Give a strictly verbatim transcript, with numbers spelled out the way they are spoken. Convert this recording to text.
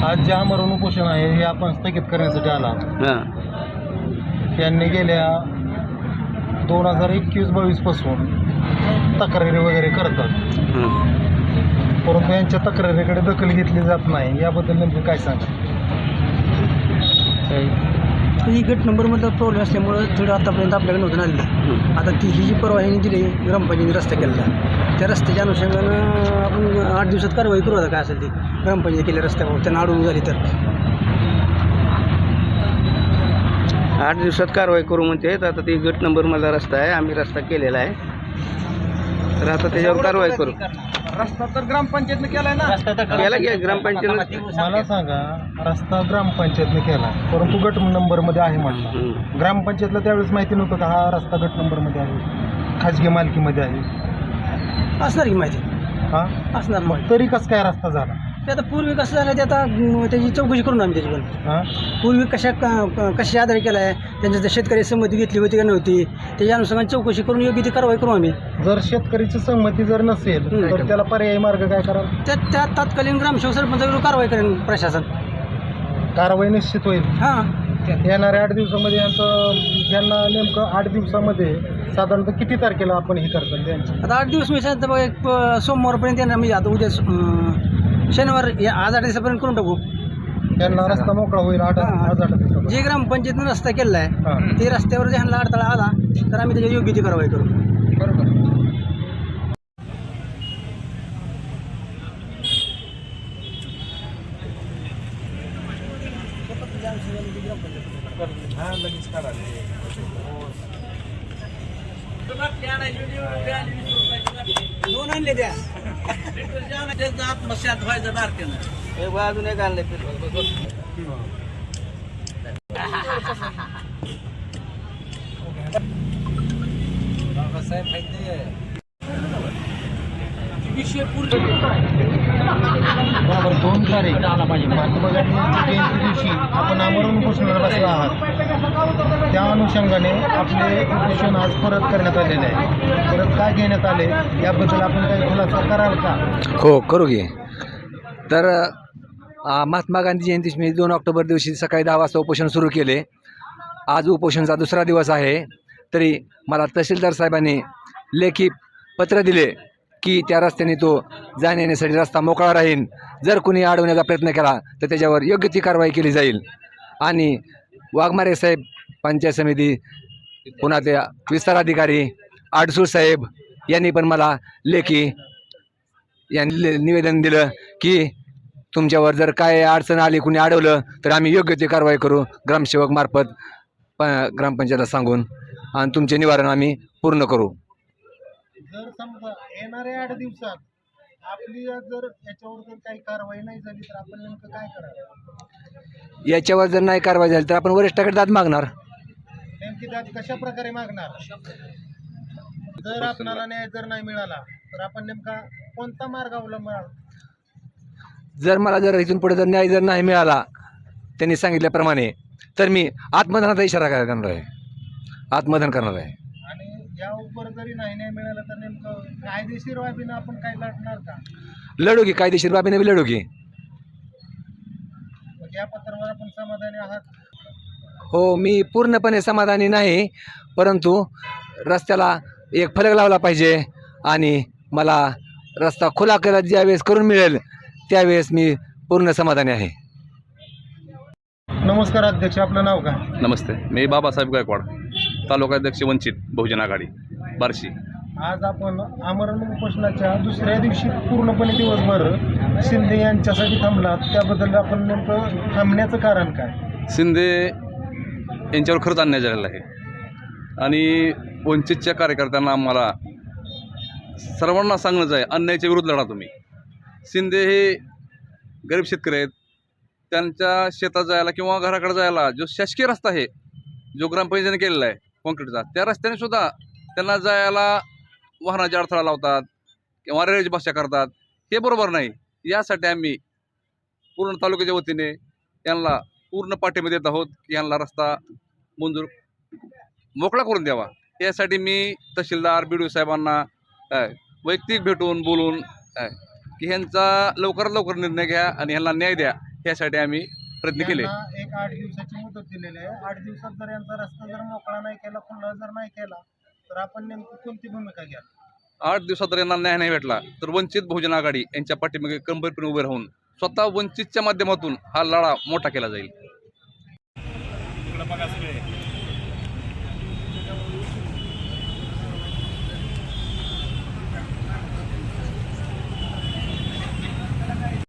आज जे आमरण उपोषण आहे हे आपण स्थगित करण्यासाठी आला. हां त्यांनी गेल्या दोन हजार एकवीस बावीस पासून तक्रारी वगैरे करतात, परंतु यांच्या तक्रारीकडे दखल घेतली जात नाही. याबद्दल नेमकं काय सांगा? ही गट नंबरमधला प्रॉब्लेम असल्यामुळं थोडं आतापर्यंत आपल्याकडे नव्हतं आलेलं. आता ती ही जी परवानगी दिली ग्रामपंचायतीने रस्ता केलेला, त्या रस्त्याच्या अनुषंगानं आपण आठ दिवसात कारवाई करू. आता काय असेल ती ग्रामपंचायती केल्या रस्त्यावर त्यांना अडवून झाली तर आठ दिवसात कारवाई करू म्हणते. आता ती गट नंबर मला रस्ता आहे, आम्ही रस्ता केलेला आहे, तर आता त्याच्यावर कारवाई करू. रस्ता तर ग्रामपंचायतनं केलाय ना. केला की ग्रामपंचायत. मला सांगा, रस्ता ग्रामपंचायतने केला परंतु गट नंबरमध्ये आहे म्हटलं. ग्रामपंचायतला त्यावेळेस माहिती नव्हतं का हा रस्ता गट नंबरमध्ये आहे, खाजगी मालकीमध्ये आहे? असणार की माहिती. हां असणार माहिती. तरी कसं काय रस्ता झाला? ते आता पूर्वी कसं झालं ते आता अं, त्याची चौकशी करून आम्ही त्याची पण हां पूर्वी कशा कशा आधारे केला आहे, त्यांच्या शेतकरी संमती घेतली होती का नव्हती, त्याच्या अनुषंगाने चौकशी करून योग्य ती कारवाई करू आम्ही. जर शेतकरीची संमती जर नसेल तर त्याला पर्यायी मार्ग काय कराल? त्या त्या तात्कालीन ग्रामसेवक सरपंचाविरुद्ध कारवाई करेन प्रशासन. कारवाई निश्चित होईल. हां येणाऱ्या आठ दिवसामध्ये यांचं यांना नेमकं आठ दिवसामध्ये साधारणतः किती तारखेला आपण हे करतात त्यांची? आता आठ दिवस मी सांगितलं बघा, एक प- सोमवारपर्यंत येणार. म्हणजे आता उद्या अं, शनिवार या आज आठ दिवसापर्यंत करून टाकू. त्यांना रस्ता मोकळा होईल आठ आज आठ दिवसामध्ये. जे ग्रामपंचायतीनं रस्ता केला आहे हां ते रस्त्यावर जे ह्यांना अडथळा आला तर आम्ही त्याची योग्य ती कारवाई करू. बरोबर. दोन आणले द्या. अजून एक आणलं बरोबर. दोन तारीख महात्मा गांधी जयंती दिवशी आपण आमरण उपोषणाला बसला आहात. त्या अनुषंगाने आपले उपोषण आज परत करण्यात आलेले आहे. परत काय घेण्यात आले याबद्दल आपण काही खुलासा कराल का? हो करू घे. तर अ, महात्मा गांधी जयंती मी दोन ऑक्टोबर दिवशी सकाळी दहा वाजता उपोषण सुरू केले. आज उपोषणचा दुसरा दिवस आहे, तरी मला तहसीलदार साहेबांनी लेखी पत्र दिले की त्या रस्त्याने तो जाण्या येण्यासाठी रस्ता मोकळा राहील. जर कुणी अडवण्याचा प्रयत्न केला तर त्याच्यावर योग्य ती कारवाई केली जाईल. आणि वाघमारे साहेब, पंचायत समिती, पुन्हा त्या विस्तार अधिकारी आडसूळ साहेब यांनी पण मला लेखी यांनी ले- निवेदन दिलं की तुमच्यावर जर काय अडचण आली, कुणी अडवलं तर आम्ही योग्य ती कारवाई करू ग्रामसेवक मार्फत प ग्रामपंचायतला सांगून, आणि तुमचे निवारण आम्ही पूर्ण करू. जर समजा येणाऱ्या आठ दिवसात आपली जर याच्यावर जर काही कारवाई नाही झाली तर आपण नेमकं काय करावं? याच्यावर जर नाही कारवाई झाली तर आपण वरिष्ठाकडे दाद मागणार. नेमकी दाद कशा प्रकारे मागणार? जर आपणाला न्याय जर नाही मिळाला तर आपण नेमका कोणता मार्ग अवलंबाल? जर मला जर इथून पुढे जर न्याय जर नाही मिळाला त्यांनी सांगितल्याप्रमाणे तर मी आत्मदनाचा इशारा करणार आहे. आत्मदन करणार आहे. आणि या उपर जरी नाही न्याय मिळाला तर नेमकं कायदेशीर बाबीनं आपण काय लढणार का? लढू की कायदेशीर बाबीने बी लढू की. मग या पत्रावर आपण समाधानी आहात? हो, मी पूर्णपणे समाधानी नाही, परंतु रस्त्याला एक फलक लावला पाहिजे आणि मला रस्ता खुला केला ज्यावेळेस करून मिळेल त्यावेळेस मी पूर्ण समाधानी आहे. नमस्कार अध्यक्ष, आपलं नाव काय? नमस्ते, मी बाबासाहेब गायकवाड, तालुकाध्यक्ष वंचित बहुजन आघाडी बार्शी. आज आपण आमरण उपोषणाच्या दुसऱ्या दिवशी पूर्णपणे दिवसभर शिंदे यांच्यासाठी थांबलात, त्याबद्दल आपण नेमकं थांबण्याचं कारण काय? शिंदे यांच्यावर खरंच अन्याय झालेला आहे आणि वंचितच्या कार्यकर्त्यांना आम्हाला सर्वांना सांगणंच आहे, अन्यायाच्या विरुद्ध लढा तुम्ही. शिंदे हे गरीब शेतकरी आहेत, त्यांच्या शेतात जायला किंवा घराकडे जायला जो शासकीय रस्ता आहे, जो ग्रामपंचायतीने केलेला आहे कॉन्क्रीटचा, त्या रस्त्याने सुद्धा त्यांना जायला वाहनाची अडथळा लावतात किंवा रेल्वेची भाषा करतात. हे बरोबर नाही. यासाठी आम्ही पूर्ण तालुक्याच्या वतीने यांना पूर्ण पाठिंबा देत आहोत की यांना रस्ता मंजूर मोकळा करून द्यावा. यासाठी मी तहसीलदार बी डी ओ साहेबांना वैयक्तिक भेटून बोलून की ह्यांचा लवकरात लवकर निर्णय घ्या आणि ह्यांना न्याय द्या, ह्यासाठी आम्ही प्रयत्न केले. यांना एक आठ दिवसाची मुदत दिलेली आहे. आठ दिवसात जर यांचा रस्ता जर मोकळा नाही केला, खुला जर नाही केला, तर आपण नेमकी कोणती भूमिका घ्या? आठ दिवसात जर यांना न्याय नाही भेटला तर वंचित बहुजन आघाडी यांच्या पाठीमागे खंबीरपणे उभे राहून स्वतः वंचितच्या माध्यमातून हा लढा मोठा केला जाईल.